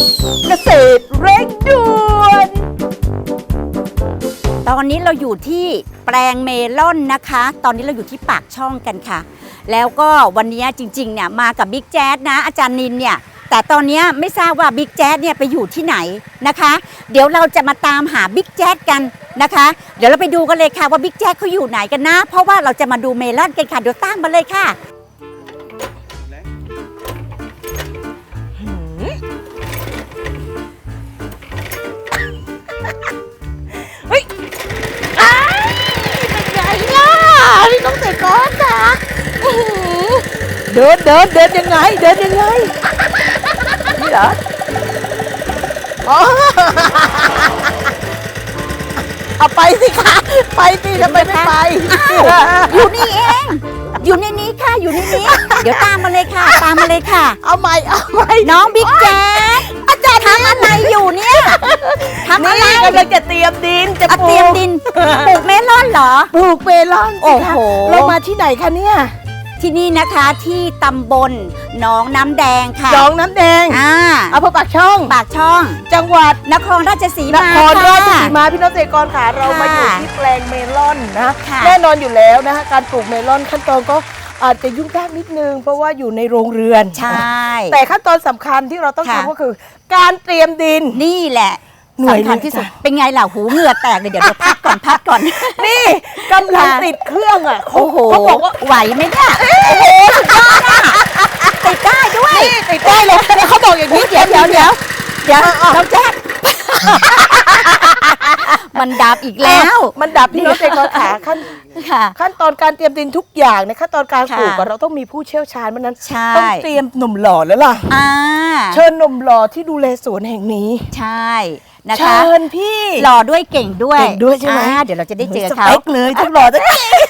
เกษตรเร่งด่วนตอนนี้เราอยู่ที่แปลงเมลอนนะคะ ตอนนี้เราอยู่ที่ปากช่องกันค่ะ แล้วก็วันนี้จริงๆเนี่ยมากับบิ๊กแจ๊ดนะอาจารย์นินเนี่ยแต่ตอนนี้ไม่ทราบว่าบิ๊กแจ๊ดเนี่ยไปอยู่ที่ไหนนะคะ เดี๋ยวเราจะมาตามหาบิ๊กแจ๊ดกันนะคะ เดี๋ยวเราไปดูกันเลยค่ะว่าบิ๊กแจ๊ดเขาอยู่ไหนกันนะเพราะว่าเราจะมาดูเมลอนกันค่ะเดี๋ยวตามมาเลยค่ะพี่น้องเตะก้อนค่ะเดินยังไงนี่เหรอเอาไปสิคะไปสิทำไมไม่ไปอยู่นี่เองอยู่ในนี้ค่ะอยู่ในนี้เดี๋ยวตามมาเลยค่ะตามมาเลยค่ะเอาใหม่น้องบิ๊กแจ๊ดอาจารย์ทำอะไรอยู่เนี่ยทำอะไรกำลังจะเตรียมดินจะเตรียมดินปลูกเมลอนเหรอปลูกเมลอนโอ้โหเรามาที่ไหนคะเนี่ยที่นี่นะคะที่ตำบลหนองน้ำแดงค่ะหนองน้ำแดงอำเภอปากช่องจังหวัดนครราชสีมาพี่น้องเกษตรกรค่ะเรามาอยู่ที่แปลงเมลอนนะแน่นอนอยู่แล้วนะคะการปลูกเมลอนขั้นตอนก็อาจจะยุ่งยากนิดนึงเพราะว่าอยู่ในโรงเรือนใช่แต่ขั้นตอนสำคัญที่เราต้องทำก็คือการเตรียมดินนี่แหละสำคัญที่สุดเป็นไงล่ะหูเหงื่อแตกเลยเดี๋ยวพักก่อนนี่กำลังติดเครื่องอ่ะโอ้โหเขาบอกว่าไหวไหมเนี่ยโอ้โหสุดยอดอ่ะติดได้ด้วยติดได้เลยเขาบอกอย่างนี้เดี๋ยวเราแจ๊ดมันดับอีกแล้วมันดับพี่น้องเกษตรกรขาขั้นตอนการเตรียมดินทุกอย่างในขั้นตอนการปลูกเราต้องมีผู้เชี่ยวชาญเพราะนั้นต้องเตรียมหนุ่มหล่อแล้วล่ะเชิญหนุ่มหล่อที่ดูแลสวนแห่งนี้ใช่นะคะเชิญพี่หล่อด้วยเก่งด้วยใช่ไหมเดี๋ยวเราจะได้เจอเขาเลยทั้งหล่อทั้ง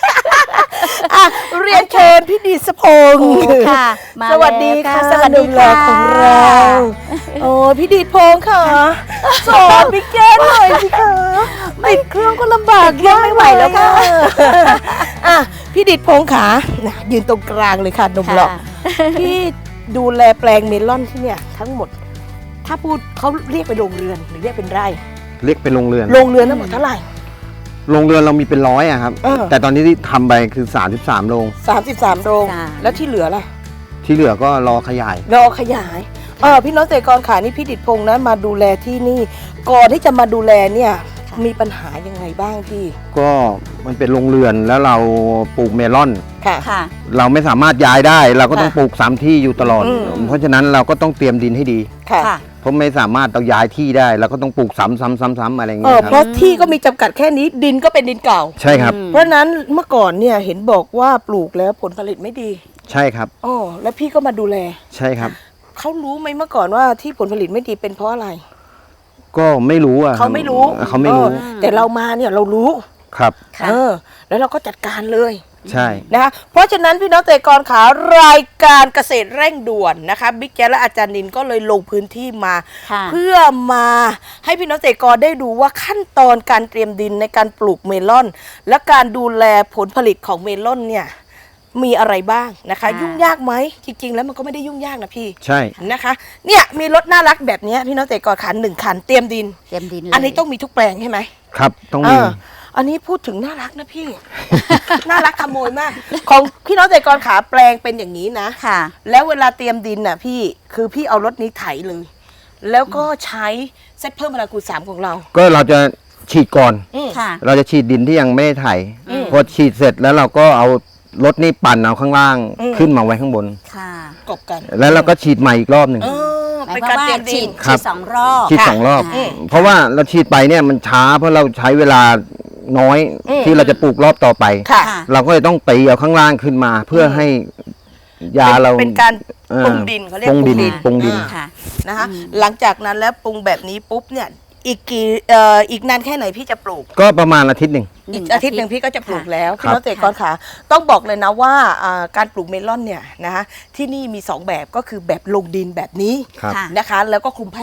เรียนเชิญพี่ดิษพงศ์ค่ะสวัสดีค่ะสวัสดีค่ะของเราโอ้พี่ดิษพงศ์ค่ะสอนพี่แก้หน่อยสิคะติดเครื่องก็ลำบากไม่ไหวแล้วค่ะพี่ดิษพงศ์ค่ะยืนตรงกลางเลยค่ะหนุ่มหล่อพี่ดูแลแปลงเมลอนที่เนี่ยทั้งหมดถ้าพูดเขาเรียกเป็นโรงเรือนหรือเรียกเป็นไร่เรียกเป็นโรงเรือนทั้งหมดเท่าไหร่โรงเรือนเรามีเป็น100อะครับแต่ตอนนี้ที่ทำไปคือ33โรงแล้วที่เหลือล่ะที่เหลือก็รอขยายพี่น้องเกษตรกรขานี่พี่ดิษพงศ์นะมาดูแลที่นี่ก่อนที่จะมาดูแลเนี่ยมีปัญหายังไงบ้างพี่ก็มันเป็นโรงเรือนแล้วเราปลูกเมลอนค่ะเราไม่สามารถย้ายได้เราก็ต้องปลูก3ที่อยู่ตลอดเพราะฉะนั้นเราก็ต้องเตรียมดินให้ดีค่ะเพราะไม่สามารถต้องย้ายที่ได้เราก็ต้องปลูกซ้ำอะไรอย่างเงี้ยเพราะที่ก็มีจำกัดแค่นี้ดินก็เป็นดินเก่าใช่ครับเพราะนั้นเมื่อก่อนเนี่ยเห็นบอกว่าปลูกแล้วผลผลิตไม่ดีใช่ครับแล้วพี่ก็มาดูแลใช่ครับเขารู้ไหมเมื่อก่อนว่าที่ผลผลิตไม่ดีเป็นเพราะอะไรก็ไม่รู้อ่ะเขาไม่รู้แต่เรามาเนี่ยเรารู้ครับแล้วเราก็จัดการเลยใช่นะคะเพราะฉะนั้นพี่น้องเกษตรกรขารายการเกษตรเร่งด่วนนะคะบิ๊กแจ๊สและอาจารย์นินก็เลยลงพื้นที่มาเพื่อมาให้พี่น้องเกษตรกรได้ดูว่าขั้นตอนการเตรียมดินในการปลูกเมลอนและการดูแลผลผลิตของเมลอนเนี่ยมีอะไรบ้างนะคะยุ่งยากไหมจริงๆแล้วมันก็ไม่ได้ยุ่งยากนะพี่ใช่นะคะเนี่ยมีรถน่ารักแบบนี้พี่น้องเกษตรกร1 คันเตรียมดินอันนี้ต้องมีทุกแปลงใช่ไหมครับต้องมีอันนี้พูดถึงน่ารักนะพี่ น่ารักขโมยมากของพี่น้องเกษตรกรขาแปลงเป็นอย่างนี้นะค่ะแล้วเวลาเตรียมดินน่ะพี่คือพี่เอารถนี้ไถเลยแล้วก็ใช้เซตเพิ่มพลังคูณ3ของเราก็เราจะฉีดก่อนค่ะเราจะฉีดดินที่ยังไม่ได้ไถพอฉีดเสร็จแล้วเราก็เอารถนี่ปั่นเอาข้างล่างขึ้นมาไว้ข้างบนค่ะกบกันแล้วเราก็ฉีดใหม่อีกรอบหนึ่งเป็นการเตรียมดินฉีด2 รอบฉีด2 รอบเพราะว่าเราฉีดไปเนี่ยมันช้าเพราะเราใช้เวลาน้อยที่เราจะปลูกรอบต่อไปเราก็เลยต้องตีเอาข้างล่างขึ้นมาเพื่อให้ยาเราเป็นการปรุงดินเขาเรียกปรุงดินนะคะหลังจากนั้นแล้วปรุงแบบนี้ปุ๊บเนี่ยอีกนานแค่ไหนพี่จะปลูกก็ประมาณอาทิตย์หนึ่งพี่ก็จะปลูกแล้วพี่น้องเกษตรกรขาต้องบอกเลยนะว่าการปลูกเมลอนเนี่ยนะคะที่นี่มี2 แบบก็คือแบบลงดินแบบนี้นะคะแล้วก็คลุมผ้ายาง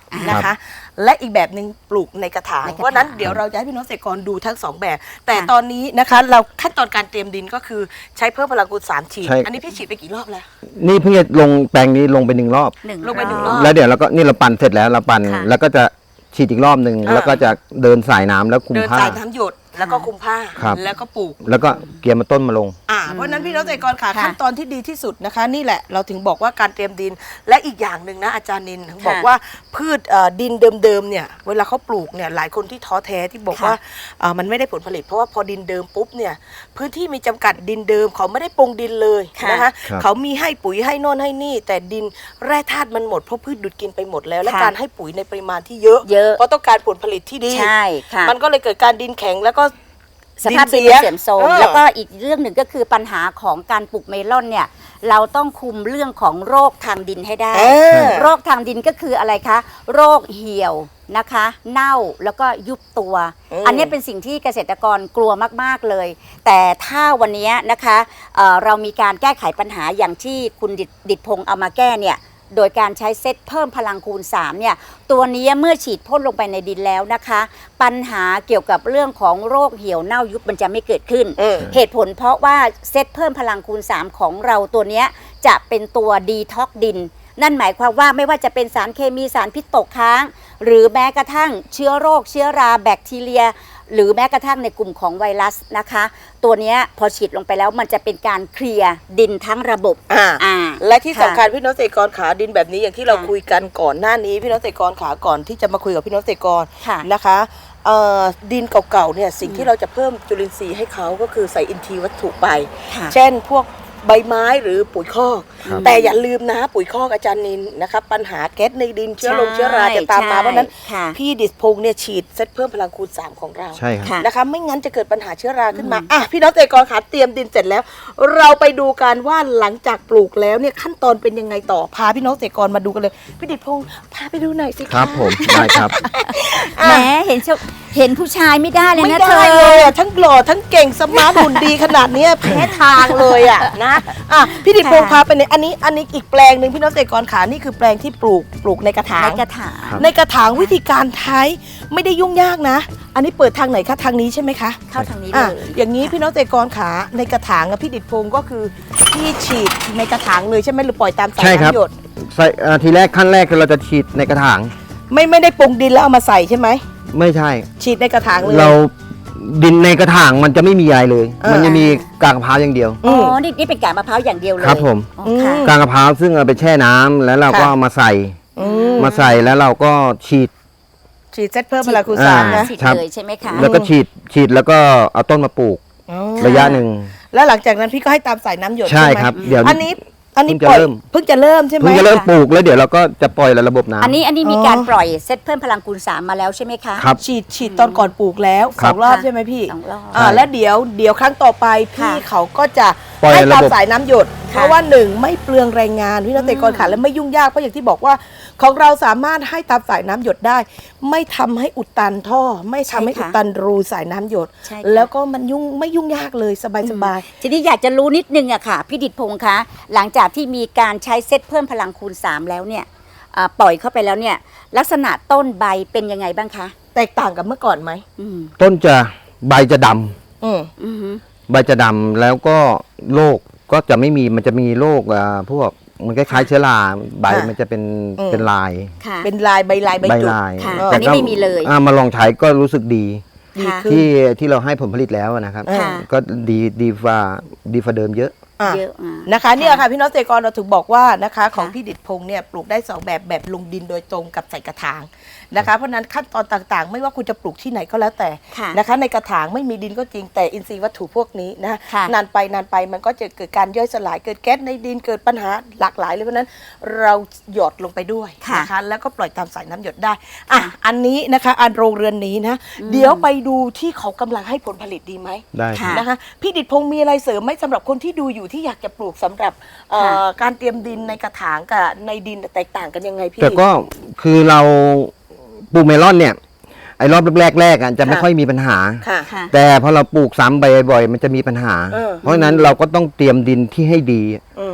นะคะ และอีกแบบหนึ่งปลูกในกระถางในกระถางเพราะนั้นเดี๋ยวเราจะให้พี่น้องเกษตรกรดูทั้งสองแบบ แต่ตอนนี้นะคะเราขั้นตอนการเตรียมดินก็คือใช้เพิ่มพลังคูณ3ฉีดใช่อันนี้พี่ฉีดไปกี่รอบแล้วนี่เพิ่งจะลงแปลงนี้ลงไป1 รอบลงไป1 รอบแล้วเดี๋ยวเราก็นี่เราปั่นเสร็จแล้วเราปั่นค่ะแล้วก็จะฉีดอีกรอบหนึ่งอ่าแล้วก็จะเดินสายน้ำแล้วคุมเดินผ้าสายน้ำหยดแล้วก็คุมผ้าครับแล้วก็ปลูกแล้วก็เกียร์มาต้นมาลงเพราะฉะนั้นพี่น้องเกษตรกรค่ะค่ะขั้นตอนที่ดีที่สุดนะคะ นี่แหละเราถึงบอกว่าการเตรียมดินและอีกอย่างหนึ่งนะอาจารย์นินบอกว่าพืชดินเดิมๆเนี่ยเวลาเขาปลูกเนี่ยหลายคนที่ท้อแท้ที่บอกว่ามันไม่ได้ผลผลิตเพราะว่าพอดินเดิมปุ๊บเนี่ยพื้นที่มีจำกัดดินเดิมเขาไม่ได้ปรุงดินเลยนะคะครับเขามีให้ปุ๋ยให้โน่นให้นี่ แต่ดินแร่ธาตุมันหมดเพราะพืชดูดกินไปหมดแล้วและค่ะการให้ปุ๋ยในปริมาณที่เยอะเยอะเพราะต้องการผลผลิตที่ดีใช่ค่ะมันก็เลยเกิดการดินแข็งแล้วก็สภาพดินเสื่อมโทรมแล้วก็อีกเรื่องหนึ่งก็คือปัญหาของการปลูกเมลอนเนี่ยเราต้องคุมเรื่องของโรคทางดินให้ได้ โรคทางดินก็คืออะไรคะ โรคเหี่ยวนะคะ เน่าแล้วก็ยุบตัว อันนี้เป็นสิ่งที่เกษตรกรกลัวมากๆเลย แต่ถ้าวันนี้นะคะเรามีการแก้ไขปัญหาอย่างที่คุณดิษพงษ์เอามาแก้เนี่ยโดยการใช้เซตเพิ่มพลังคูณ3เนี่ยตัวนี้เมื่อฉีดพ่นลงไปในดินแล้วนะคะ ปัญหาเกี่ยวกับเรื่องของโรคเหี่ยวเน่ายุบมันจะไม่เกิดขึ้น เหตุผลเพราะว่าเซตเพิ่มพลังคูณ3ของเราตัวเนี้ยจะเป็นตัวดีท็อกดิน นั่นหมายความว่าไม่ว่าจะเป็นสารเคมีสารพิษตกค้าง หรือแม้กระทั่งเชื้อโรคเชื้อราแบคทีเรีย หรือแม้กระทั่งในกลุ่มของไวรัสนะคะ ตัวเนี้ยพอฉีดลงไปแล้วมันจะเป็นการเคลียร์ดินทั้งระบบและที่สำคัญพี่น้องเกษตรกรขาดินแบบนี้อย่างที่เราคุยกันก่อนหน้านี้พี่น้องเกษตรกรขาก่อนที่จะมาคุยกับพี่น้องเกษตรกรค่ะนะคะดินเก่าๆเนี่ยสิ่งที่เราจะเพิ่มจุลินทรีย์ให้เขาก็คือใส่อินทรีย์วัตถุไปค่ะเช่นพวกใบไม้หรือปุ๋ยคอกครับแต่อย่าลืมนะปุ๋ยคอกอาจารย์นินนะครับปัญหาแก๊สในดินเชื้อราจะตามมาใช่เพราะฉะนั้นค่ะพี่ดิษพงษ์เนี่ยฉีดเซตเพิ่มพลังคูณ3ของเราใช่ครับค่ะนะคะไม่งั้นจะเกิดปัญหาเชื้อราขึ้นมาพี่น้องเกษตรกรขาเตรียมดินเสร็จแล้ว เราไปดูกันว่าหลังจากปลูกแล้วเนี่ยขั้นตอนเป็นยังไงต่อพาพี่น้องเกษตรกรมาดูกันเลยพี่ดิษพงษ์พาไปดูหน่อยสิะครับผมได้ครับแหมเห็นผู้ชายไม่ได้เลยไม่นะได้เธอเลยอ่ะทั้งหล่อทั้งเก่งสมาร์ทหุ่นดีขนาดเนี้ยแพ้ทางเลยอ่ะนะพี่ดิษพงษ์พาไปในอันนี้อีกแปลงหนึ่งพี่น้องเกษตรกรขานี่คือแปลงที่ปลูกในกระถางในกระถางครับในกระถางวิธีการใช้ไม่ได้ยุ่งยากนะ อันนี้เปิดทางไหนคะทางนี้ใช่ไหมคะเข้าทางนี้เลอ่ะยอย่างนี้พี่น้องเกษตรกรขาในกระถางอะพี่ดิษพงษ์ก็คือพี่ฉีดในกระถางเลยใช่ไหมหรือปล่อยตามสายใช่ครับน้ำหยดใส่ทีแรกขั้นแรกคือเราจะฉีดในกระถางไม่ได้ปรุงดินแล้วเอามาใส่ใช่ไหมไม่ใช่ฉีดในกระถางเลยเราดินในกระถางมันจะไม่มีอะไรเลยอ่ามัมันจะมีกากมะพร้าวอย่างเดียวอ๋อนี่เป็นกากมะพร้าวอย่างเดียวเลยครับผมอ๋อค่ะกากมะพร้าวซึ่งเอาไปแช่น้ำแล้วเราก็ค่ะเอามาใส่อืมมาใส่แล้วเราก็ฉีดฉีดเซตเพิ่มพลังคูณสามอ่านะฉีดครับเลยใช่ไหมคะแล้วก็ฉีดแล้วก็เอาต้นมาปลูกอ๋อระยะหนึ่งแล้วหลังจากนั้นพี่ก็ให้ตามสายน้ำหยดใช่ใช่ไหมครับเดี๋ยวอันนี้เพิ่งจะปล่อยเริ่มเพิ่งจะเริ่มใช่ไหมเพิ่งจะเริ่มปลูกแล้วเดี๋ยวเราก็จะปล่อยระบบน้ำอันนี้มีการปล่อยเซตเพิ่มพลังคูณ3มาแล้วใช่ไหมคะครับฉีดตอนก่อนปลูกแล้วครั 2 บรอบค่ะใช่ไหมพี่ 2 รอบใช่แล้วเดี๋ยวครั้งต่อไปพี่ค่ะเขาก็จะปล่อยให้ตามระบบสายน้ำหยด เพราะว่าหนึ่งไม่เปลืองแรงงานพี่น้องเกษตรกรขาและไม่ยุ่งยากเพราะอย่างที่บอกว่าของเราสามารถให้ตามสายน้ำหยดได้ ไม่ทำให้อุดตันท่อ ไม่ทำให้ใช่ค่ะอุดตันรูสายน้ำหยดใช่ค่ะแล้วก็มันไม่ยุ่งยากเลยสบายทีนี้อยากจะรู้นิดนึงอะค่ะพี่ดิษพงษ์คะหลังจากที่มีการใช้เซตเพิ่มพลังคูณ3แล้วเนี่ยปล่อยเข้าไปแล้วเนี่ยลักษณะต้นใบเป็นยังไงบ้างคะแตกต่างกับเมื่อก่อนไหมอืมต้นจะใบจะดำอืมอือหือใบจะดำแล้วก็โรคก็จะไม่มีมันจะมีโรคพวกมันคล้ายๆเชื้อราใบค่ะมันจะเป็นอืมเป็นลายค่ะเป็นลายใบใบจุดลายค่ะแต่อันนี้ก็ไม่มีเลยมาลองใช้ก็รู้สึกดีดีค่ะขึ้นที่เราให้ผลผลิตแล้วนะครับค่ะก็ดีฟ้าเดิมเยอะอ่ะเยอะอ่านะคะเนี่ยค่ะพี่น้องเกษตรกรเราถึงบอกว่านะคะของค่ะพี่ดิษพงษ์เนี่ยปลูกได้2แบบลงดินโดยตรงกับใส่กระถางนะคะเพราะฉะนั้นขั้นตอนต่างๆ ไม่ว่าคุณจะปลูกที่ไหนก็แล้วแต่ค่ะนะคะในกระถางไม่มีดินก็จริงแต่อินทรีย์วัตถุพวกนี้นะค่ะนานไปมันก็จะเกิดการย่อยสลายเกิดแก๊สในดินเกิดปัญหาหลากหลายเลยเพราะฉะนั้นเราหยดลงไปด้วยค่ะนะคะแล้วก็ปล่อยตามสายน้ำหยดได้อ่ะอันนี้นะคะอันโรงเรือนนี้นะเดี๋ยวไปดูที่เขากำลังให้ผลผลิตดีไหมได้ครับค่ะนะคะพี่ดิษพงษ์มีอะไรเสริมไหมสำหรับคนที่ดูอยู่ที่อยากจะปลูกสำหรับการเตรียมดินในกระถางกับในดินแตกต่างกันยังไงพี่แต่ก็คือเราปลูกเมลอนเนี่ยไอ้รอบแรกจะไม่ค่ะค่อยมีปัญหาค่ะค่ะแต่พอเราปลูกซ้ำไปบ่อยๆมันจะมีปัญหาเออเพราะฉะนั้นเราก็ต้องเตรียมดินที่ให้ดีอืม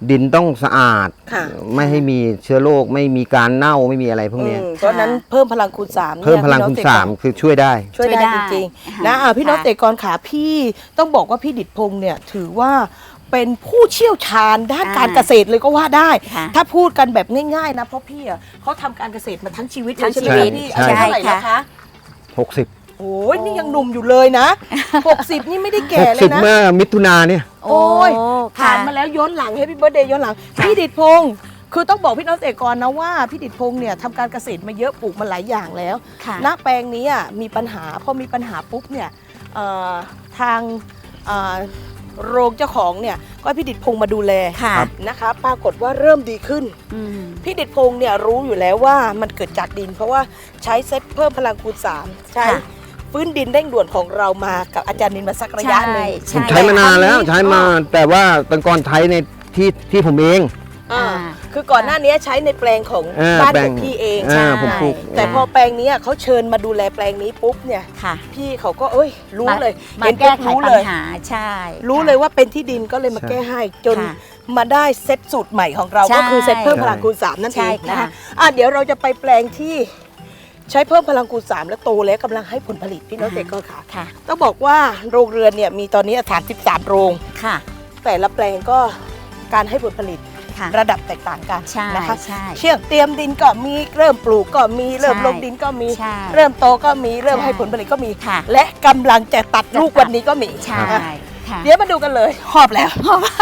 ดินต้องสะอาดค่ะไม่ให้มีเชื้อโรคไม่มีการเน่าไม่มีอะไรพวกเนี้ยเพราะฉะนั้นเพิ่มพลังคูณ3นี่ยเพิ่มพลังคูณพี่น้อ 3คือช่วยได้ช่วยได้ช่วยได้จริงค่ะๆนะพี่น้องค่ะเกษตรกรขาพี่ต้องบอกว่าพี่ดิษฐ์พงษ์เนี่ยถือว่าเป็นผู้เชี่ยวชาญด้านการเกษตรเลยก็ว่าได้ค่ะถ้าพูดกันแบบง่ายๆนะเพราะพี่อ่ะเขาทำการเกษตรมาทั้งชีวิตทั้งเลยชีวิตใช่ไหมพี่อายุใช่เท่าไหร่แล้วค่ะคะ 60 โอ้ยนี่ยังหนุ่มอยู่เลยนะ 60 นี่ไม่ได้แก่เลย 60 นะเมื่อมิถุนาเนี่ยโอ้ยค่ะผ่านมาแล้วย้อนหลังให้พี่เบิร์ดเดย์ย้อนหลัง พี่ดิษฐ์พงษ์คือต้องบอกพี่น้องเกษตรกรนะว่าพี่ดิษฐ์พงษ์เนี่ยทำการเกษตรมาเยอะปลูกมาหลายอย่างแล้วค่ะณแปลงนี้อ่ะมีปัญหาพอมีปัญหาปุ๊บเนี่ยทางโรงเจ้าของเนี่ยก็ให้พี่ดิษฐ์พงษ์มาดูแลค่ะนะคะปรากฏว่าเริ่มดีขึ้นอืมพี่ดิษฐ์พงษ์เนี่ยรู้อยู่แล้วว่ามันเกิดจากดิน เพราะว่าใช้เซตเพิ่มพลังคูณ3ใช้ค่ะฟื้นดินเร่งด่วนของเรามากับอาจารย์นินมาสักระยะหนึ่งผมใช้มานานแล้วใช้มาแต่ว่าตอนก่อนใช้ในที่ผมเองอ่าอ่าคือก่อนหน้านี้ใช้ในแปลงของ บ้านแปลขงองพี่เองผมปลูกแต่พอแปลงนี้เขาเชิญมาดูแลแปลงนี้ปุ๊บเนี่ยค่ะพี่เขาก็เอ้ยรู้เลยมาเห็นแก้ปุ๊บไขรู้ปัเลญยหาใช่รู้ค่ะเลยว่าเป็นที่ดินก็เลยมาใช่แก้ให้จนค่ะมาได้เซตสูตรใหม่ของเราใช่ก็คือเซตเพิ่มพลังคูณ3นั่นใช่เองค่ะนะคะเดี๋ยวเราจะไปแปลงที่ใช้เพิ่มพลังคูณ3แล้วโตแล้วกำลังให้ผลผลิตพี่น้องเกษตรกรค่ะค่ะต้องบอกว่าโรงเรือนเนี่ยมีตอนนี้33โรงค่ะแต่ละแปลงก็การให้ผลผลิตค่ะระดับแตกต่างกันใช่นะคะใช่เชี่ยงเตรียมดินก็มีเริ่มปลูกก็มีเริ่มใช่ลงดินก็มีใช่เริ่มโตก็มีเริ่มใช่ให้ผลผลิตก็มีค่ะและกำลังจะตัดลูกวันนี้ก็มีใช่อ่ะค่ะเดี๋ยวมาดูกันเลยหอบแล้ว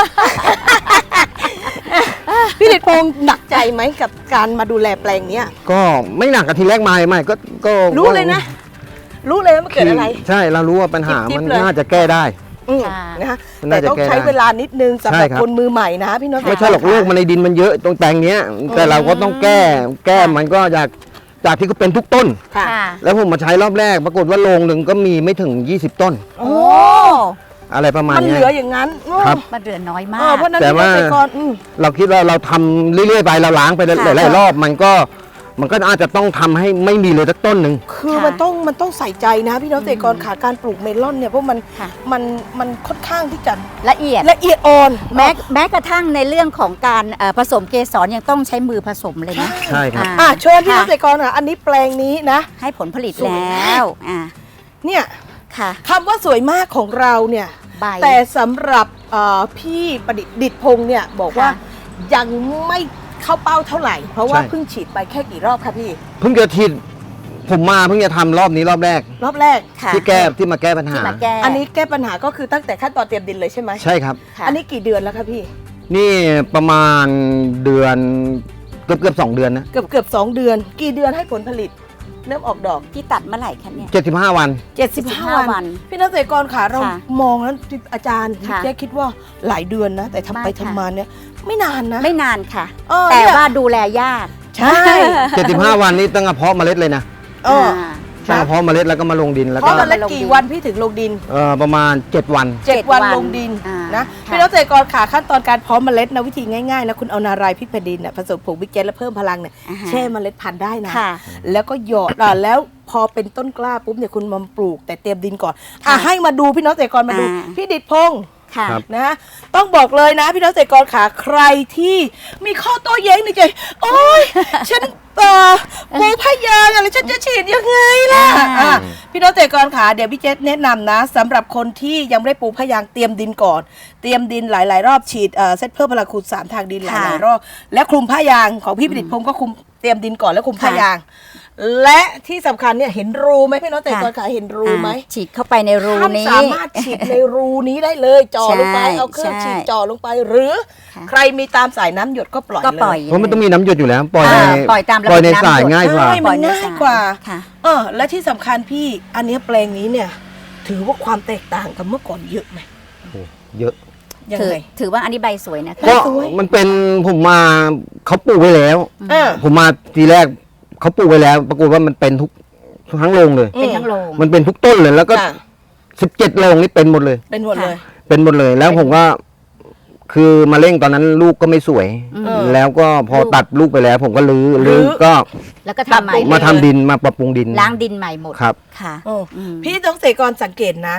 พี่ดิษฐ์พงษ์หนักใจไหมกับการมาดูแลแปลงเนี้ยก็ไม่หนักกับทีแรกไม่ก็รู้เลยนะ รู้เลยว่ามันเกิดอะไรใช่เรารู้ว่าปัญหาจิ๊บๆมันเลยน่าจะแก้ได้อืมค่ะนะคะมันแต่น่าจะต้องแก้ใช้ได้เวลานิดนึงสำหรับใช่ครับคนมือใหม่นะพี่น้องไม่ใช่หรอกลูกมันในดินมันเยอะตรงแปลงเนี้ย แต่เราก็ต้องแก้มันก็จากที่ก็เป็นทุกต้นค่ะค่ะแล้วผมมาใช้รอบแรก ปรากฏว่าโรงหนึ่งก็มีไม่ถึง 20 ต้นโอ้อะไรประมาณมันเหเนี้ลือย อย่างนั้นครับมันเหลือน้อยมาเพราะฉะนั้นแต่พี่น้องว่าเกษตรกรเราคิดว่าเราทำเรื่อยๆไปเราล้างไปหค่ะลายๆรอบมันก็อาจจะต้องทำให้ไม่มีเลยสักต้นหนึ่งคือค่ะมันต้องใส่ใจนะพี่น้องเกษตรกรขาการปลูกเมลอนเนี่ยเพราะค่ะมันค่อนข้างที่จะละเอียดละเอียดอ่อนแม้กระทั่งในเรื่องของการผสมเกสรยังต้องใช้มือผสมเลยนะใช่ครับเชิญพี่น้องค่ะเกษตรกรค่ะอันนี้แปลงนี้นะให้ผลผลิตสวยแลมา้กวเนี่ยค่ะคำว่าสวยมากของเราเนี่ยใบแต่สำหรับพี่ประดิษฐ์พงษ์เนี่ยบอกว่าค่ะยังไม่เข้าเป้าเท่าไหร่ เพราะว่าใช่เพิ่งฉีดไปแค่กี่รอบคะพี่เพิ่งจะทีผมมาเพิ่งจะทำรอบนี้รอบแรกรอบแรกค่ะที่มาแก้ปัญหาที่มาแก้อันนี้แก้ปัญหาก็คือตั้งแต่ขั้นตอนเตรียมดินเลยใช่ไหมใช่ครับค่ะอันนี้กี่เดือนแล้วคะพี่นี่ประมาณเดือนเกือบ2 เดือนนะเกือบ2 เดือน กี่เดือนให้ผลผลิตเริ่มออกดอกที่ตัดเมื่อไหร่คะเนี่ย 75 วัน 75 วัน พี่นักเกษตรกรขาเราค่ะมองแล้วอาจารย์ค่ะแจ๊คคิดว่าหลายเดือนนะ แต่ทำไปไม่ค่ะทำมาเนี่ยไม่นานนะไม่นานค่ะเออแต่เนี่ยว่าดูแลยากใช่ 75 วันนี้ตั้งแต่เพาะเมล็ดเลยนะเออตั้งแต่เพาะเมล็ดแล้วก็มาลงดินแล้วเพก็ราะมันละกี่วันพี่ถึงลงดินประมาณ 7 วัน 7 วันลงดินอ่านะค่ะพี่นักเกษตรกรขาขั้นตอนการเพาะเมล็ดนะวิธีง่ายๆนะคุณเอานารายพริกแผ่นดินน่ะผสมผงบิ๊กแจ๊สแล้วเพิ่มพลังเนี่ยอ่าฮะแช่เมล็ดพันธุ์ได้นะค่ะแล้วก็หยอดแล้วพอเป็นต้นกล้าปุ๊บเนี่ยคุณมาปลูกแต่เตรียมดินก่อนค่ะให้มาดูพี่น้องเกษตรกรมาดูอ่าพี่ดิษฐ์พงษ์ค่ะครับนะต้องบอกเลยนะพี่น้องเกษตรกรขาใครที่มีข้อโต้แย้งในใจโอ๊ย ฉันปูพยางอะไรฉันจะฉีดยังไงล่ะอ่าพี่น้องเกษตรกรขาเดี๋ยวพี่เจษแนะนำนะสำหรับคนที่ยังไม่ได้ปูพยางเตรียมดินก่อน เตรียมดินหลายๆ รอบฉีดเซตเพิ่มพลังคูณ3ทางดินหลายๆรอบและคลุมพยางของพี่ประดิษฐ์พงศ์ก็คุมเตรียมดินก่อนแล้วคลุมพยาง และที่สำคัญเนี่ยเห็นรูไหมพี่น้องเกษตรกรขาเห็นรูไหมฉีดเข้าไปในรูท่านนี้สามารถฉีดในรูนี้ได้เลยจ่อลงไปใช่เอาเครื่องใช่ฉีดจ่อลงไปหรือค่ะใครมีตามสายน้ำหยดก็ปล่อยก็ปล่อยเลยเพราะมันต้องมีน้ำหยดอยู่แล้ว ปล่อยในปล่อยตามระบบปล่อยในน้ำหยดสายง่ายกว่าใช่มันง่ายกว่าค่ะและที่สำคัญพี่อันเนี้ยแปลงนี้เนี่ย ถือว่าความแตกต่างกับเมื่อก่อนเยอะไหมโอ้เยอะยังถือไงถือว่าอันนี้ใบสวยนะคะก็มันเป็นผมมาเขาปลูกไว้แล้วเออผมมาทีแรกเขาปลูกไว้แล้ว ปรากฏว่ามันเป็นทั้งโรงเลยเป็นทั้งโรงมันเป็นทุกต้นเลย แล้วก็ค่ะ 17 โรงนี่เป็นหมดเลยเป็นหมดเลยเป็นหมดเลย แล้วผมก็คือมาเร่งตอนนั้นลูกก็ไม่สวยเออแล้วก็พอตัดลูกไปแล้ว ผมก็รื้รื้ออก็แล้วก็ทำใหม่ปรับปรุงมาทำดินมาปรับปรุงดินล้างดินใหม่หมดครับค่ะโอ้อืมพี่ต้องเกษตรกรสังเกตนะ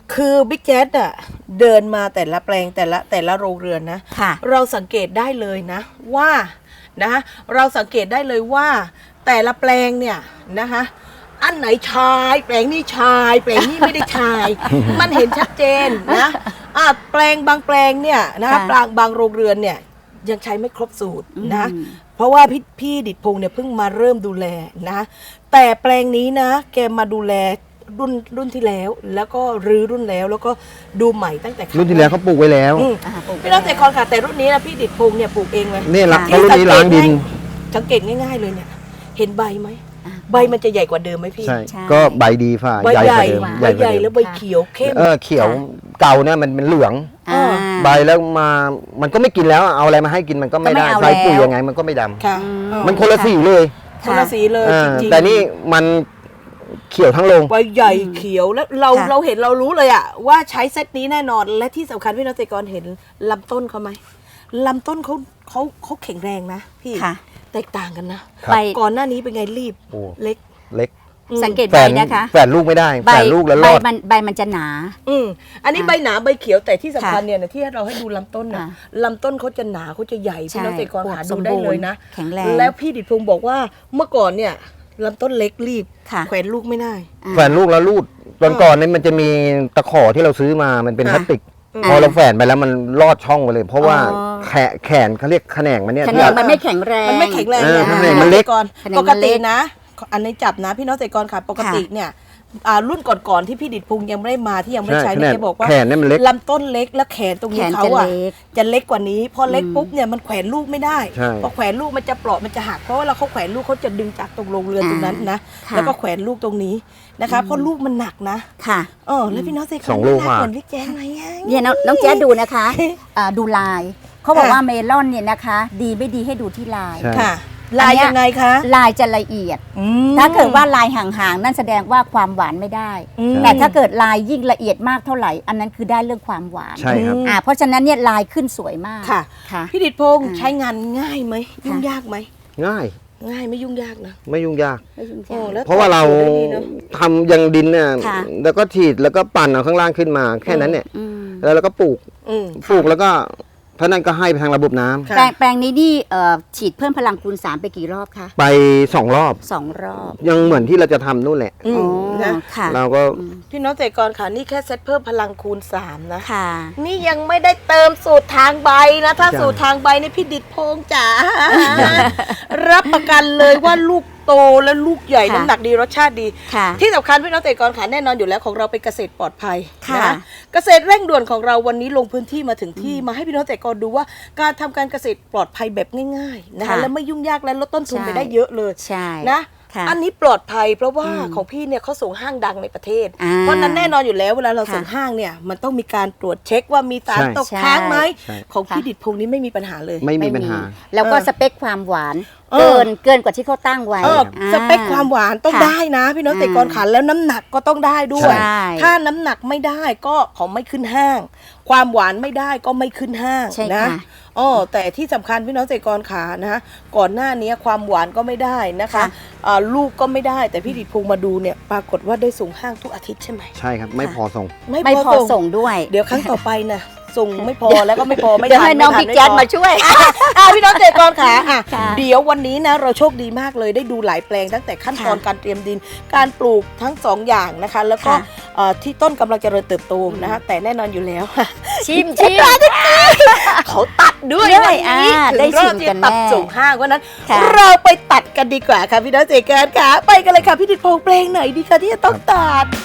คือบิ๊กแจ๊ดอะเดินมาแต่ละแปลงแต่ละโรงเรือนนะค่ะเราสังเกตได้เลยนะว่านะเราสังเกตได้เลยว่าแต่ละแปลงเนี่ยนะคะอันไหนชายแปลงนี้ชายแปลงนี้ไม่ได้ชาย มันเห็นชัดเจนนะแปลงบางแปลงเนี่ยนะคะบางโรงเรือนเนี่ยยังใช้ไม่ครบสูตรนะเพราะว่าพี่ดิษพงษ์เนี่ยเพิ่งมาเริ่มดูแลนะแต่แปลงนี้นะแกมาดูแลรุ่นที่แล้วก็รื้อรุ่นแล้วก็ดูใหม่ตั้งแต่รุ่นที่แล้วเขาปลูกไว้แล้วพี่น้องแต่คอนค่ะแต่รุ่นนี้นะพี่ดิษพงษ์เนี่ยปลูกเองเลยนี่ละรุ่นนี้ล้างดินสังเกตง่ายๆเลยเนี่ยเห็นใบไหมใบมันจะใหญ่กว่าเดิมไหมพี่ใช่ก็ใบดีฝ่าใบใหญ่ใหญ่กว่าเดิมใบใหญ่แล้วใบเขียวเข้มเขียวเก่าเนี่ยมันเป็นเหลืองอ่าใบแล้วมามันก็ไม่กินแล้วเอาอะไรมาให้กินมันก็ไม่ได้ก็ไม่เอาใส่ปุ๋ยแล้วยังไงมันก็ไม่ดำค่ะมันคนละสีเลยคนละสีเลยจริงๆแต่นี่มันเขียวทั้งโรงใบใหญ่เขียวแล้วเราเห็นเรารู้เลยอะว่าใช้เซตนี้แน่นอนและที่สำคัญพี่น้องเกษตรกรเห็นลำต้นเขาไหมลำต้นเขาแข็งแรงนะพี่ค่ะแตกต่างกันนะครับใบก่อนหน้านี้เป็นไงรีบโอ้เล็กเล็กสังเกตแฝใบนนะคะแฝนลูกไม่ได้แฝนลูกแล้วรอดใบมันจะหนาอันนี้ใบหนาใบเขียวแต่ที่สำคัญเนี่ยนะที่เราให้ดูลำต้นนะค่ะลำต้นเขาจะหนาเขาจะใหญ่พี่น้องเกษตรกรหาใช่ดูได้เลยนะแข็งแรงแล้วพี่ดิษพงษ์บอกว่าเมื่อก่อนเนี่ยลำต้นเล็กรีบค่ะแขวนลูกไม่ได้แฝนลูกแล้วรูดตอนก่อนเนี่ยมันจะมีตะขอที่เราซื้อมามันเป็นพค่ะลาสติกพอเราแฝนไปแล้วมันลอดช่องไปเลย เพราะว่าแขนเขาเรียกแขนงมันเนี่ยแขนงมันไม่แข็งแรงมันไม่แข็งแรงเออนะแขนงมันเล็กก่อนแขนงปมันกเล็ติกนะ อันนี้จับนะพี่น้องเกษตรกรค่ะปกติเนี่ยรุ่นก่อนๆที่พี่ดิษพงษ์ยังไม่ได้มาที่ยังไม่ได้ใช้เนี่ยแกบอกว่าแขนเนี่ยมันเล็กลำต้นเล็กแล้วแขนตรงนี้แขนเขาจะอะเล็กจะเล็กกว่านี้พอเล็กปุ๊บเนี่ยมันแขวนลูกไม่ได้ใช่พอแขวนลูกมันจะเปราะมันจะหักเพราะว่าเราเขาแขวนลูกเขาจะดึงจากตรงโรงเรือนตรงนั้นนะค่ะแล้วก็แขวนลูกตรงนี้นะคะเพราะลูกมันหนักนะค่ะแล้วพี่น้องเกษตรกรสองลูกน่าว่ะเหมือนพี่แจ้งไหมอะเนี่ยน้องแจ๊ดดูนะคะดูลายเขาบอกค่ะว่าเมลอนเนี่ยนะคะ ดีไม่ดีให้ดูที่ลายใช่ค่ะลายยังไงคะลายจะละเอียด ถ้าเกิดว่าลายห่างๆนั่นแสดงว่าความหวานไม่ได้ แต่ถ้าเกิดลายยิ่งละเอียดมากเท่าไหร่ อันนั้นคือได้เรื่องความหวานใช่ครับเพราะฉะนั้นเนี่ยลายขึ้นสวยมากค่ะค่ะพี่ดิษพงษ์ใช้งานง่ายไหมยุ่งยากไหมง่ายง่ายไม่ยุ่งยากนะไม่ยุ่งยากไม่ยุ่งโอ้ยากแล้วเพราะว่าเราได้ดีเนอะทำยังดินเนี่ยค่ะแล้วก็ฉีดแล้วก็ปั่นเอาข้างล่างขึ้นมาแค่นั้นเนี่ยอืมแล้วเราก็ปลูกอืมปลูกแล้วก็เพราะนั้นก็ให้ไปทางระบบน้ำค่ะแปลงนี้นี่ฉีดเพิ่มพลังคูณ 3 ไปกี่รอบคะไป2 รอบ 2 รอบยังเหมือนที่เราจะทำนู่นแหละอืมอ๋อนะค่ะเราก็พี่น้องเกษตรกรค่ะนี่แค่เซตเพิ่มพลังคูณ 3 นะค่ะนี่ยังไม่ได้เติมสูตรทางใบนะ ถ้าจ้ะสูตรทางใบนี่พี่ดิษพงษ์จ๋า รับประกันเลยว่าลูกโตและลูกใหญ่ค่ะน้ำหนักดีรสชาติดีค่ะที่สำคัญพี่น้องเกษตรกรค่ะแน่นอนอยู่แล้วของเราเป็นเกษตรปลอดภัยค่ะนะเกษตรเร่งด่วนของเราวันนี้ลงพื้นที่มาถึงที่มาให้พี่น้องเกษตรกรดูว่าการทำการเกษตรปลอดภัยแบบง่ายๆนะคะค่ะและไม่ยุ่งยากและลดต้นทุนใช่ไปได้เยอะเลยใช่นะค่ะอันนี้ปลอดภัยเพราะว่าของพี่เนี่ยเขาส่งห้างดังในประเทศอ่าเพราะนั้นแน่นอนอยู่แล้วเวลาเราส่งค่ะห้างเนี่ยมันต้องมีการตรวจเช็คว่ามีสารใช่ตกค้างไหมใช่ของพี่ค่ะดิษพงษ์นี้ไม่มีปัญหาเลยไม่มีปัญหาแล้วก็เออสเปคความหวานเออเกินกว่าที่เขาตั้งไว้สเปคความหวานต้องค่ะได้นะพี่น้องเกษตรกรขาแล้วน้ำหนักก็ต้องได้ด้วยใช่ถ้าน้ำหนักไม่ได้ก็ของไม่ขึ้นห้าง ความหวานไม่ได้ก็ไม่ขึ้นห้างใช่นะค่ะแต่ที่สำคัญพี่น้องเกษตรกรขานะก่อนหน้านี้ความหวานก็ไม่ได้นะคะค่ะลูกก็ไม่ได้แต่พี่ดิษพงษ์มาดูเนี่ยปรากฏว่าได้ส่งห้างทุกอาทิตย์ใช่ไหมใช่ครับ ไม่พอส่งไม่พอส่งด้วยเดี๋ยวครั้งต่อไปนะส่งไม่พอแล้วก็ไม่พอไม่เดี๋ยวทันให้น้องไม่ทับิ๊กแจ๊ดไพอมาช่วยพี่น้องเกษตรกรขาอ่ะค่ะเดี๋ยววันนี้นะเราโชคดีมากเลยได้ดูหลายแปลงตั้งแต่ขั้นตอนค่ะการเตรียมดิน การปลูกทั้งสองอย่างนะคะ แล้วก็ค่ะที่ต้นกำลังเจริญเติบโตนะคะแต่แน่นอนอยู่แล้วชิมเขาตัดด้วยด้วยวันนี้ได้ถึงรอบชิมที่กันตัดแน่ส่งห้างวันนั้นค่ะเราไปตัดกันดีกว่าค่ะพี่น้องเกษตรกรขาไปกันเลยค่ะพี่ดิษพงษ์แปลงไหนดีคะที่จะต้องตัด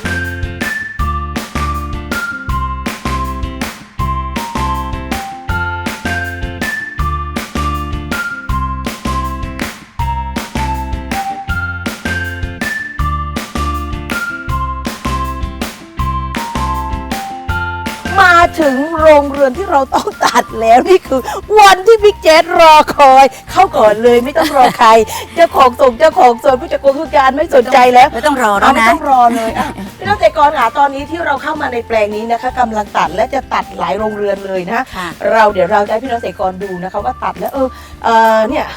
มาถึงโรงเรือนที่เราต้องตัดแล้วนี่คือ วันที่บิ๊กแจ๊ดรอคอย เข้าก่อนเลยไม่ต้องรอใครเจ้าของส่งเจ้าของส่วนผู้จัดการไม่สนใจแล้วไม่ต้องรอแล้วไม่นะต้องรอเลยอ่ะพี่น้องเกษตรกรค่ะตอนนี้ที่เราเข้ามาในแปลงนี้นะคะกำลังตัดและจะตัดหลายโรงเรือนเลยนะค่ะเดี๋ยวเราจะให้พี่น้องเกษตรกรดูนะคะว่าตัดแล้วเนี่ย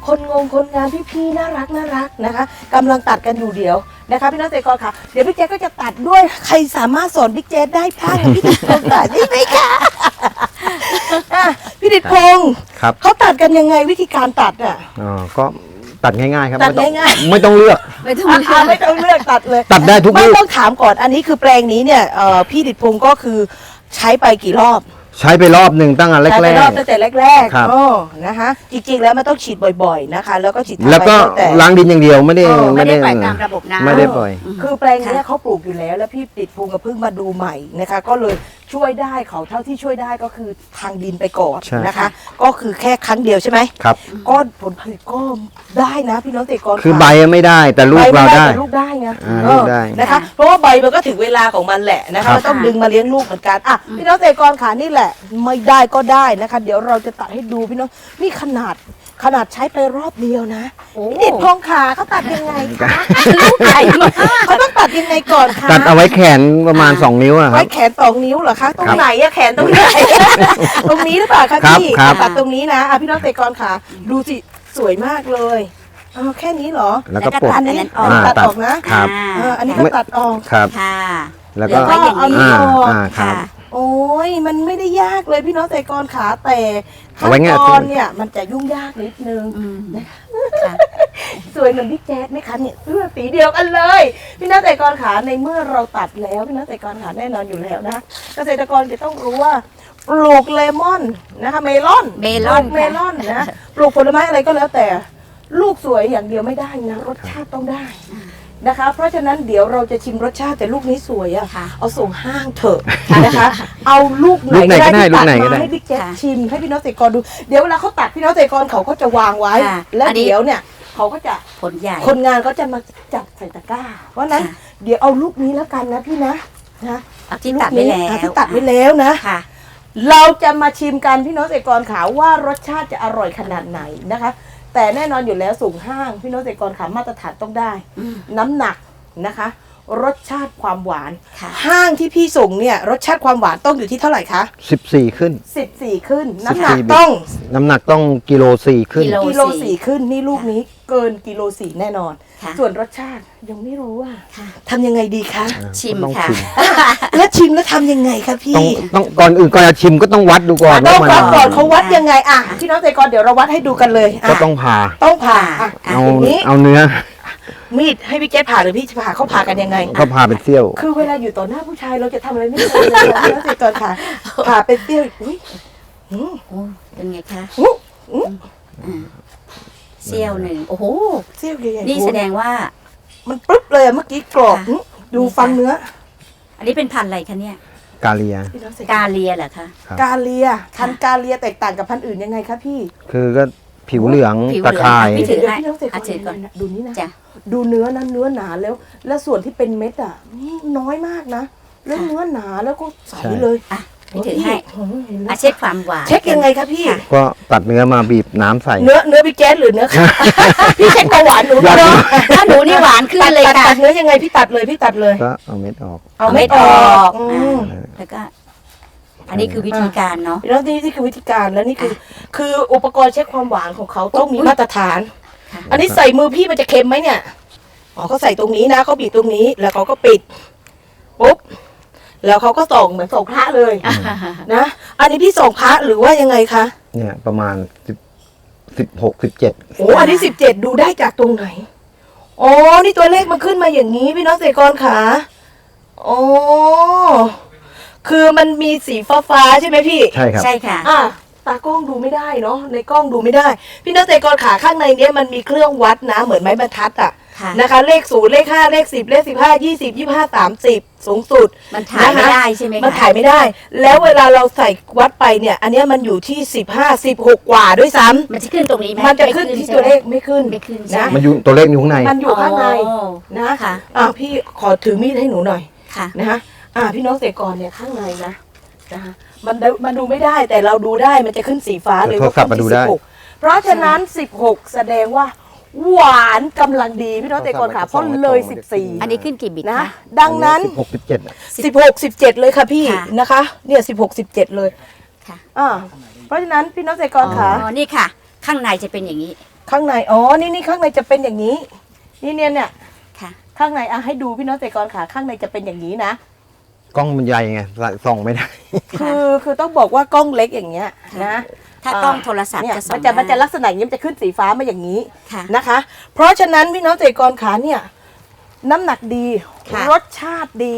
คนงานพี่ๆน่ารักนะคะกำลังตัดกันอยู่เดี๋ยวนะคะพี่น้องเกษตรกรค่ะเดี๋ยวพี่แจ๊คก็จะตัดด้วยใครสามารถสอนพี่แจ๊คได้บ้างพี่ดิษพงศ์ตัดได้ไหมคะอ่ะพี่ดิษพงศ์ครับเขาตัดกันยังไงวิธีการตัดอ่ะอ๋อก็ตัดง่ายๆครับตัดง่ายๆไม่ต้องเลือกไม่ต้องไม่ต้องเลือกตัดเลยตัดได้ทุกไม่ลูกต้องถามก่อนอันนี้คือแปลงนี้เนี่ยพี่ดิษพงศ์ก็คือใช้ไปกี่รอบใช้ไปรอบหนึ่งตั้งแต่แรใช้ไปกรอบตั้งแต่แรกครับๆอ๋อนะคะจริงๆแล้วมันต้องฉีดบ่อยๆนะคะ แล้วก็ฉีดๆแล้วก็แต่ล้างดินอย่างเดียวไม่ได้ไม่ได้ปล่อยตามระบบน้ำไม่ได้ปล่อยคือแปลงเนี้ยเขาปลูกอยู่แล้ว แล้วพี่ดิษพงศ์ก็เพิ่งมาดูใหม่นะคะ ก็เลยช่วยได้เขาเท่าที่ช่วยได้ก็คือทางดินไปก่อนใช่นะคะ ก็คือแค่ครั้งเดียวใช่ไหมครับก็ผลผลิตก็ได้นะพี่น้องเกษตรกรคือใบไม่ได้แต่ลูกเราได้แต่ลูกได้ไงลูกได้นะคะ เพราะว่าใบมันก็ถึงเวลาของมันแหละนะคะครับมันต้องดึงมาเลี้ยงลูกเหมือนกันอ่ะพี่น้องเกษตรกรขานี่แหละ ไม่ได้ก็ได้นะคะ เดี๋ยวเราจะตัดให้ดูพี่น้องนี่ขนาดใช้ไปรอบเดียวนะโอ้พี่ดิษพงศ์ขาเขาตัดยังไงคะลูกใหญ่มากเขาต้องตัดยังไงก่อนคะตัดเอาไว้แขนประมาณ 2 นิ้วอะคไว้รับแขน2 นิ้วเหรอคะตรงไหนอะแขนตรงไหน ตรงนี้หรือเปล่าคะครับพี่ครับตัดตรงนี้นะอ่ะพี่น้องเกษตรกรขาดูสิสวยมากเลยแค่นี้เหรอแล้วก็ปลดอันนี้ ตัดออกนะครับ อันนี้ก็ตัดออกครับค่ะแล้วก็เดี๋ยวไว้อย่างนี้ครับโอ้ยมันไม่ได้ยากเลยพี่น้องเกษตรกรขาแต่เอาขั้นไว้ง่ายตอนเนี่ยมันจะยุ่งยากนิดนึงอืมค่ะสวยเหมือนพี่แจ๊ดไหมคะเนี่ยเสื้อสีเดียวกันเลย พี่น้องเกษตรกรขาในเมื่อเราตัดแล้วพี่น้องเกษตรกรขาแน่นอนอยู่แล้วนะเกษตรกรจะต้องรู้ว่าปลูกเลมอนนะคะเมลอนเมลอนปลูกเมลอนนะปลูกผลไม้อะไรก็แล้วแต่ ลูกสวยอย่างเดียวไม่ได้นะรสชาติต้องได้นะคะ เพราะฉะนั้นเดี๋ยวเราจะชิมรสชาติแต่ลูกนี้สวยอะค่ะเอาส่งห้างเถอะนะคะ เอาลูกไหนลูกไหนก็ก็ได้ได้ที่ลูตักดไหนก็ได้มาให้พี่แจ๊คค่ะชิมให้พี่น้องเกษตรกรดูเดี๋ยวเวลาเขาตัดพี่น้องเกษตรกรเขาก็จะวางไว้ค่ะแล้วอันนี้เดี๋ยวเนี่ยเขาก็จะผลใหญ่คนงานก็จะมาจับใส่ตะกร้า เพราะฉะนั้นค่ะเดี๋ยวเอาลูกนี้แล้วกันนะพี่นะนะเอาที่ตัดไว้แล้วอ่ะที่ตัดไว้แล้วนะค่ะเราจะมาชิมกันพี่น้องเกษตรกรขาว่ารสชาติจะอร่อยขนาดไหนนะคะ แต่แน่นอนอยู่แล้วสูงห้างพี่น้องเกษตรกรขามาตรฐานต้องได้อืมน้ำหนักนะคะ รสชาติความหวานค่ะห้างที่พี่ส่งเนี่ยรสชาติความหวานต้องอยู่ที่เท่าไหร่คะ 14 ขึ้น 14 ขึ้น น้ำหนัก 14 ต้องน้ำหนักต้องกิโล4ขึ้นกิโลกิโลสี่ขึ้นนี่ลูกนี้เกินกิโลสี่แน่นอนค่ะส่วนรสชาติยังไม่รู้ว่าค่ะทำยังไงดีคะชิมต้องค่ะชิมแล้วชิมแล้วทำยังไงคะพี่ต้องก่อนอื่นก่อนจะชิมก็ต้องวัดดูก่อนต้องว่ามันวัดก่อนเขาวัดยังไงอ่ะพี่น้องเกษตรกรเดี๋ยวเราวัดให้ดูกันเลยอ่ะก็ต้องผ่าต้องผ่าอ่ะเอาอย่างนี้เอาเนื้อมีดให้พี่แก๊สผ่าหรือพี่จะผ่าเขาผ่ากันยังไงก็ผ่าเป็นเสี้ยวคือเวลาอยู่ต่อหน้าผู้ชายเราจะทำอะไรไม่ได้เลยนะพี่น้องเกษตรกรค่ะผ่าเป็นเตี้ยวอุ้ยโอ้เป็นไงคะอุ๊ยอุ๊ยเซี่ยวหนึ่งโอ้โหเสี้ยวใหญ่ๆนี่แสดงว่ามันปึ๊บเลยอะเมื่อกี้กรอบค่ะอื้อดูฟังเนื้ออันนี้เป็นพันธุ์อะไรคะเนี่ยกาเลียพี่น้องเกษตรกาเลียเหรอคะครับกาเลียพันธุ์กาเลียแตกต่างกับพันธุ์อื่นยังไงคะพี่คือก็ผิวเหลืองผิวเหลืตะองข่ายพี่ถือให้พี่น้องเกษตรกอ่ะถือก่อนรดูนี่นะจ้ะดูเนื้อนะเนื้อหนาแล้วส่วนที่เป็นเม็ดอ่ะน้อยมากนะแล้วเนื้อหนาแล้วก็ใสเลยอ่ะพี่ถือให้โอ้โหเห็นแล้วอ่ะเช็คความหวานเช็คยังไงคะพี่ค่ะก็ตัดเนื้อมาบีบน้ำใส่เนื้อพี่แก๊สหรือเนื้อ พี่เช็คเบาหวานหนูอยากเนาะถ้าหนูนี่หวานขึ้นเลยตัค่ะดเนื้อยังไงพี่ตัดเลยพี่ตัดเลยก็เอาเม็ดออกเอาไม่ออกอืมแล้วก็ อันนี้คือวิธีการเนาะแล้วนี่คือวิธีการแล้วนี่คืออุปกรณ์เช็คความหวานของเขาต้องมีมาตรฐานค่ะอันนี้ใส่มือพี่มันจะเค็มไหมเนี่ยอ๋อเขาใส่ตรงนี้นะเขาบีบตรงนี้แล้วเขาก็ปิดปุ๊บแล้วเขาก็ส่งเหมือนส่งพระเลยนะ อันนี้พี่ส่งพระหรือว่ายังไงคะเนี่ยประมาณ16 17 โอ้อันนี้17ดูได้จากตรงไหนอ๋อนี่ตัวเลขมันขึ้นมาอย่างนี้พี่น้องเกษตรกรขาอ๋อคือมันมีสีฟ้าๆใช่ไหมพี่ใช่ครับใช่ค่ะอ่ะตากล้องดูไม่ได้เนาะในกล้องดูไม่ได้ พี่น้องเกษตรกรขาข้างในเนี้ยมันมีเครื่องวัดนะเหมือนไม้บรรทัดอ่ะค่ะนะคะเลข0เลข5เลข10เลข15 20 25 30สูงสุดมันถ่ายไม่ได้ใช่ไหมคะมันถ่ายไม่ได้ แล้วเวลาเราใส่วัดไปเนี่ย อันเนี้ยมันอยู่ที่15 16กว่าด้วยซ้ำมันจะขึ้นตรงนี้ไหมมันจะขึ้นที่ตัวเลขไม่ขึ้นไม่ขึ้นใช่นะไหมมันอยู่ตัวเลขอยู่ข้างในมันอยู่ข้างในอ๋อนะค่ะพี่ขอถือมีดให้หนูหน่อยค่ะนะคะพี่น้องเกษตรกรเนี่ยข้างในนะคะมันดูไม่ได้แต่เราดูได้มันจะขึ้นสีฟ้าเลยโทรศัพท์มาดูได้ 16เพราะฉะนั้น 16 แสดงว่า หวานกำลังดีพี่น้องเกษตรกรค่ะเพราะเลยอันนี้ขึ้นกี่บิต 14นะคะดังนั้น 16 17อะ 16 17 เลยค่ะพี่ค่ะนะคะเนี่ย16 17 เลยค่ะเพราะฉะนั้นพี่น้องเกษตรกรอ๋ค่ะอนี่ค่ะ ข้างในจะเป็นอย่างนี้ข้ข้างในนี่ข้างในจะเป็นอย่างนี้นี่เนี่ยค่ะข้างในให้ดูพี่น้องเกษตรกรค่ะข้างในจะเป็นอย่างนี้นะกล้องมันใหญ่ไงส่องไม่ได้คือต้องบอกว่ากล้องเล็กอย่างเงี้ยนะถ้ากล้องโทรศัพท์เนี่ยจะส่องมันจะได้ลักษณะอย่างนี้มันจะขึ้นสีฟ้ามาอย่างนี้ค่ะนะคะ เพราะฉะนั้นพี่น้องเกษตรกรขาเนี่ยน้ำหนักดีค่ะรสชาติดี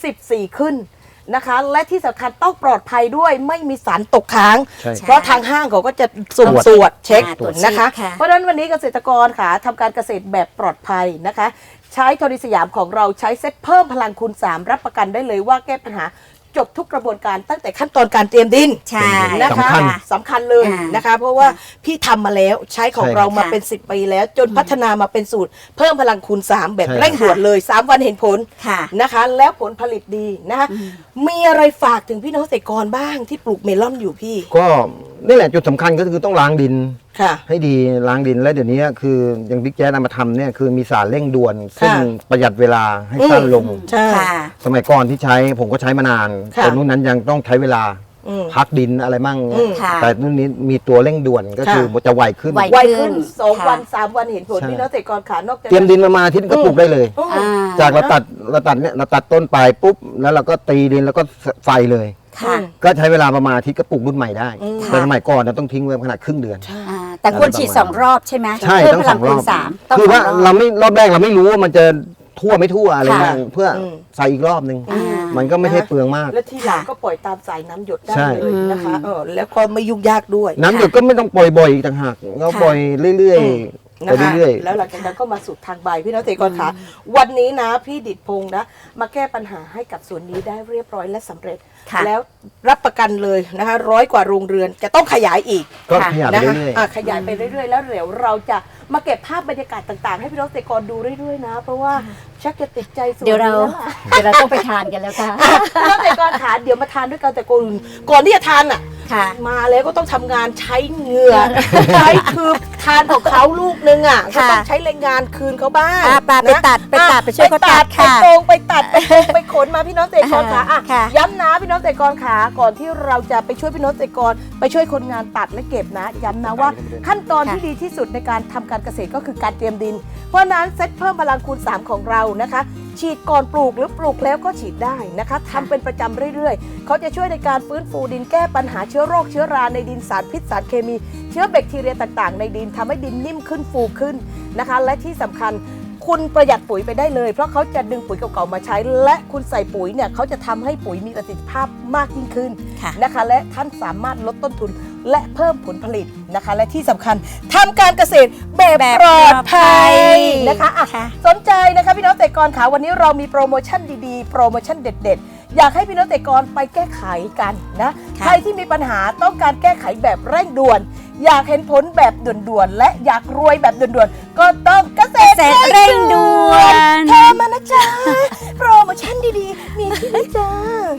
14ขึ้นนะคะ และที่สำคัญต้องปลอดภัยด้วยไม่มีสารตกค้างใช่เพราะทางห้างเขาก็จะสุ่มตรวจเช็คตรวจนะคะค่ะเพราะฉะนั้นวันนี้เกษตรกรค่ะทำการเกษตรแบบปลอดภัยนะคะ ใช้โทนิสยามของเราใช้เซ็ตเพิ่มพลังคูณ 3 รับประกันได้เลยว่าแก้ปัญหาจบทุกกระบวนการตั้งแต่ขั้นตอนการเตรียมดินใช่นะคะสำคัญสำคัญเลยนะคะ เพราะว่าพี่ทำมาแล้วใช้ของใช่เรามาค่ะเป็น10 ปีแล้ว จนพัฒนามาเป็นสูตร เพิ่มพลังคูณ 3 แบบใช่เร่งด่วนเลย 3 วันเห็นผลค่ะนะคะ แล้วผลผลิตดีนะคะมีอะไรฝากถึงพี่น้องเกษตรกรบ้างที่ปลูกเมลอนอยู่พี่ก็นี่แหละจุดสำคัญก็คือต้องล้างดินค่ะให้ดีล้างดินและเดี๋ยวนี้คืออย่างบิ๊กแจ๊สเอามาทำเนี่ยคือมีสารเร่งด่วน ซึ่งประหยัดเวลาให้สั้นลงใช่ค่ะสมัยก่อนที่ใช้ผมก็ใช้มานานค่ะแต่รุ่นนั้นยังต้องใช้เวลาอืมพักดินอะไรมั่งค่ะแต่รุ่นนี้มีตัวเร่งด่วนก็คือค่ะจะไวขึ้นไวไวขึ้นค่ะ 2 วัน 3 วันเห็นผลใช่พี่น้องเกษตรกรขานอกจากเตรียมดินมาอาทิตย์ก็ปลูกได้เลยอืมอ่าจากเราตัดเนี่ยเราตัดต้นไปปุ๊บแล้วเราก็ตีดินแล้วก็ใส่เลยค่ะก็ใช้เวลาประมาณอาทิตย์ก็ปลูกรุ่นใหม่ได้อืมแต่สมัยก่อนเราต้องทิ้งไว้ขนาดครึ่งเดือนอ่าแต่ควรฉีด2 รอบใช่ไหมใช่เพื่ต้องพสลัองรอบคูณ3ต้องคือว่าสงเราไม่รอบแรกเราไม่รู้ว่ามันจะทั่วไม่ทั่วอะไรค่ะเงี้ยเพื่ออมใส่อีกรอบนึงอ่ามันก็ไม่ใช่เปลืองมากและทีหลังก็ปล่อยตามสายน้ำหยดได้ใช่เลยนะคะแล้วก็ไม่ยุ่งยากด้วยน้ำหยดก็ไม่ต้องปล่อยบ่อยอีกต่างหากเราปล่อยเรื่อยๆไปนะคะเรื่อยแล้วหลังจากนั้นก็มาสู่ทางใบพี่น้องเกษตรกรขาวันนี้นะพี่ดิดพงษ์นะมาแก้ปัญหาให้กับสวนนี้ได้เรียบร้อยและสำเร็จค่ะแล้วรับประกันเลยนะคะ100 กว่าโรงเรือนจะต้องขยายอีกๆ ก็ขยับไปนะคะเรื่อยขยายไปเรื่อยๆ แล้วเดี๋ยวเราจะมาเก็บภาพบรรยากาศต่างๆ ให้พี่น้องเกษตรกรดูเรื่อยๆนะ เพราะว่าชักจะติดใจสวนเดี๋ยวเรานี้แล้วล่ะต้องไปทานกันแล้วค่ะพี่น้องเกษตรกรขาเดี๋ยวมาทานด้วยกันแต่ก่อนที่จะทานอ่ะค่ะมาแล้วก็ต้องทำงานใช้เหงื่อ ใช้คือทานของเขาลูกนึงอ่ะก็ค่ะต้องใช้แรงงานคืนเขาบ้างไปนะตัดไปช่วยเขาตัดไปค่ะตรงไปตัดไปตรงไปขนมาพี่น้องเกษตรกรขาอ่ะค่ะย้ำนะพี่น้องเกษตรกรขาก่อนที่เราจะไปช่วยพี่น้องเกษตรกรไปช่วยคนงานตัดและเก็บนะย้ำนะว่าขั้นตอนที่ดีที่สุดในการทำการเกษตรก็คือการเตรียมดิน เพราะฉะนั้นเซตเพิ่มพลังคูณ 3 ของเรานะคะ ฉีดก่อนปลูกหรือปลูกแล้วก็ฉีดได้นะคะทำเป็นประจำเรื่อยๆ เขาจะช่วยในการฟื้นฟูดินแก้ปัญหาเชื้อโรคเชื้อราในดินสารพิษสารเคมี เชื้อแบคทีเรียต่างๆ ในดินทำให้ดินนิ่มขึ้นฟูขึ้นนะคะ และที่สำคัญคุณประหยัดปุ๋ยไปได้เลย เพราะเขาจะดึงปุ๋ยเก่าๆมาใช้ และคุณใส่ปุ๋ยเนี่ยเขาจะทำให้ปุ๋ยมีประสิทธิภาพมากยิ่งขึ้นค่ะนะคะ และท่านสามารถลดต้นทุนและเพิ่มผลผลิตนะคะ และที่สำคัญทำการเกษตรแบบปลอดภัยนะคะอ่ะค่ะสนใจนะคะพี่น้องเกษตรกรขาวันนี้เรามีโปรโมชั่นดีๆ โปรโมชั่นเด็ดๆ อยากให้พี่น้องเกษตรกรไปแก้ไขกันนะค่ะใครที่มีปัญหาต้องการแก้ไขแบบเร่งด่วน อยากเห็นผลแบบด่วนๆ และอยากรวยแบบด่วนๆ ก็ต้องเกษตรเร่งด่วนโทรมานะจ๊ะ โปรโมชั่นดีๆ มีที่นี่จ้า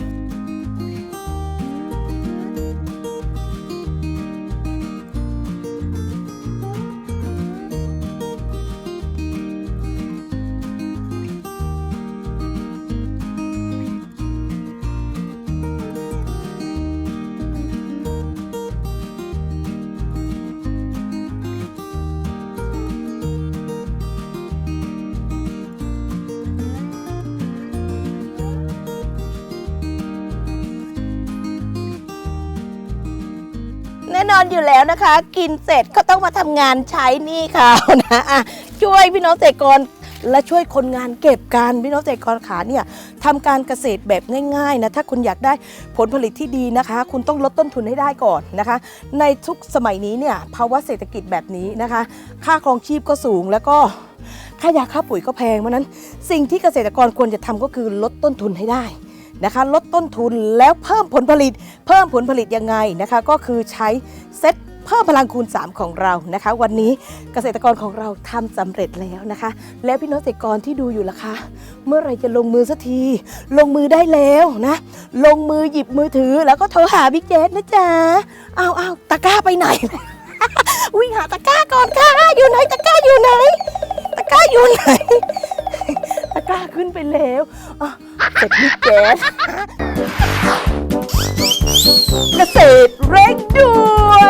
แน่นอนอยู่แล้วนะคะ กินเสร็จก็ต้องมาทำงานใช้หนี่เขานะอ่ะช่วยพี่น้องเกษตรกรและช่วยคนงานเก็บกันพี่น้องเกษตรกรขาเนี่ยทำการเกษตรแบบง่ายๆนะถ้าคุณอยากได้ผลผลิตที่ดีนะคะ คุณต้องลดต้นทุนให้ได้ก่อนนะคะ ในทุกสมัยนี้เนี่ยภาวะเศรษฐกิจแบบนี้นะคะ ค่าครองชีพก็สูงแล้วก็ค่ายาค่าปุ๋ยก็แพงเพราะฉะนั้นสิ่งที่เกษตรกรควรจะทำก็คือลดต้นทุนให้ได้นะคะลดต้นทุนแล้วเพิ่มผลผลิตยังไงนะคะก็คือใช้เซ็ตเพิ่มพลังคูณ 3 ของเรานะคะ วันนี้เกษตรกรของเราทำสำเร็จแล้วนะคะ แล้วพี่น้องเกษตรกรที่ดูอยู่ล่ะคะเมื่อไหรจะลงมือสักทีลงมือได้แล้วนะลงมือหยิบมือถือแล้วก็โทรหาบิ๊กเจสนะจ๊ะเอาตะกร้าไปไหน วิ่งหาตะกร้าก่อนค่ะอยู่ไหนตะกร้าอยู่ไหนตะกร้าอยู่ไหน ตะกร้าขึ้นไปแล้วอ่ะเสร็จบิ๊กแจ๊สเกษตรเร่งด่ว